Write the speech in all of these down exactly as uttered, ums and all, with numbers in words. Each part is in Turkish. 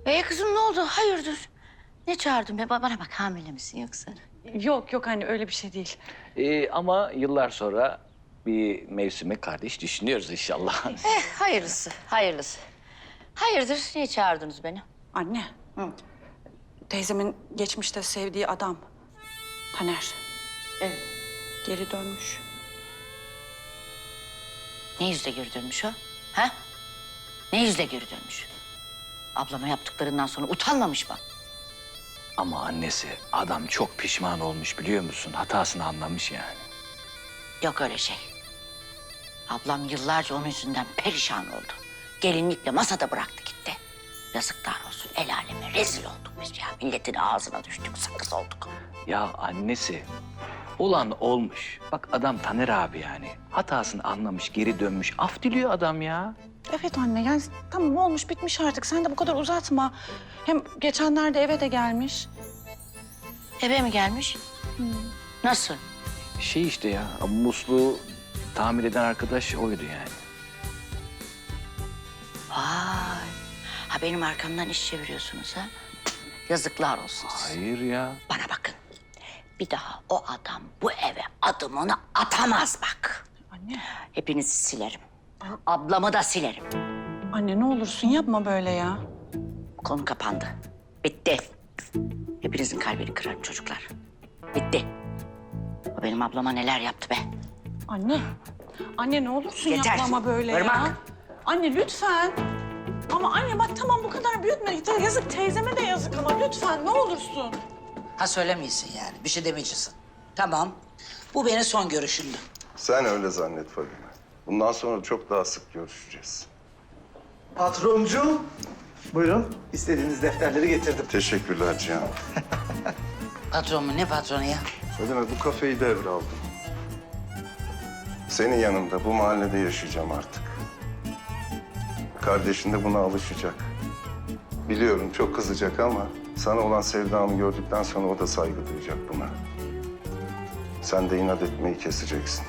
Ee kızım ne oldu? Hayırdır? Ne çağırdın be? Bana bak, hamile misin yoksa? Yok yok anne, öyle bir şey değil. Ee, ama yıllar sonra bir mevsime kardeş düşünüyoruz inşallah. Eh hayırlısı, hayırlısı. Hayırdır? Niye çağırdınız beni? Anne. Hı. Teyzemin geçmişte sevdiği adam Taner Evet. geri dönmüş. Ne yüzle geri dönmüş o? Ha? Ne yüzle geri dönmüş? Ablama yaptıklarından sonra utanmamış mı? Ama annesi adam çok pişman olmuş biliyor musun? Hatasını anlamış yani. Yok öyle şey. Ablam yıllarca onun yüzünden perişan oldu. Gelinlikle masada bıraktı gitti. Yazıklar olsun, el aleme rezil olduk biz ya. Milletin ağzına düştük, sakız olduk. Ya annesi olan olmuş. Bak adam Taner abi yani. Hatasını anlamış, geri dönmüş. Af diliyor adam ya. Evet anne, yani tamam olmuş bitmiş artık. Sen de bu kadar uzatma. Hem geçenlerde eve de gelmiş. Eve mi gelmiş? Nasıl? Şey işte ya, musluğu tamir eden arkadaş oydu yani. Vay. Ha benim arkamdan iş çeviriyorsunuz ha? Yazıklar olsun size. Hayır ya. Bana bakın. Bir daha o adam bu eve adımını atamaz bak. Anne. Hepinizi silerim. Ablamı da silerim. Anne ne olursun yapma böyle ya. Konu kapandı. Bitti. Hepinizin kalbini kırarım çocuklar. Bitti. O benim ablama neler yaptı be. Anne. Anne ne olursun Yeter. yapma ama böyle ya. Irmak. Anne lütfen. Ama anne bak tamam bu kadar büyütme. Yazık teyzeme de yazık ama lütfen ne olursun. Ha söylemeyeceksin yani. Bir şey demeyeceksin. Tamam. Bu benim son görüşümdü. Sen öyle zannet Fadime. Bundan sonra çok daha sık görüşeceğiz. Patroncuğum, buyurun. İstediğiniz defterleri getirdim. Teşekkürler Cihan. Patron mu? Ne patronu ya? Fadime bu kafeyi devraldım. Senin yanında bu mahallede yaşayacağım artık. Kardeşin de buna alışacak. Biliyorum çok kızacak ama sana olan sevdamı gördükten sonra o da saygı duyacak buna. Sen de inat etmeyi keseceksin.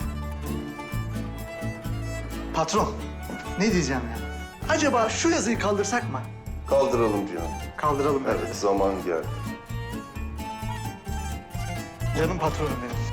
Patron, ne diyeceğim ya? Acaba şu yazıyı kaldırsak mı? Kaldıralım Cihan. Kaldıralım. Evet, zaman geldi. Canım patronum benim.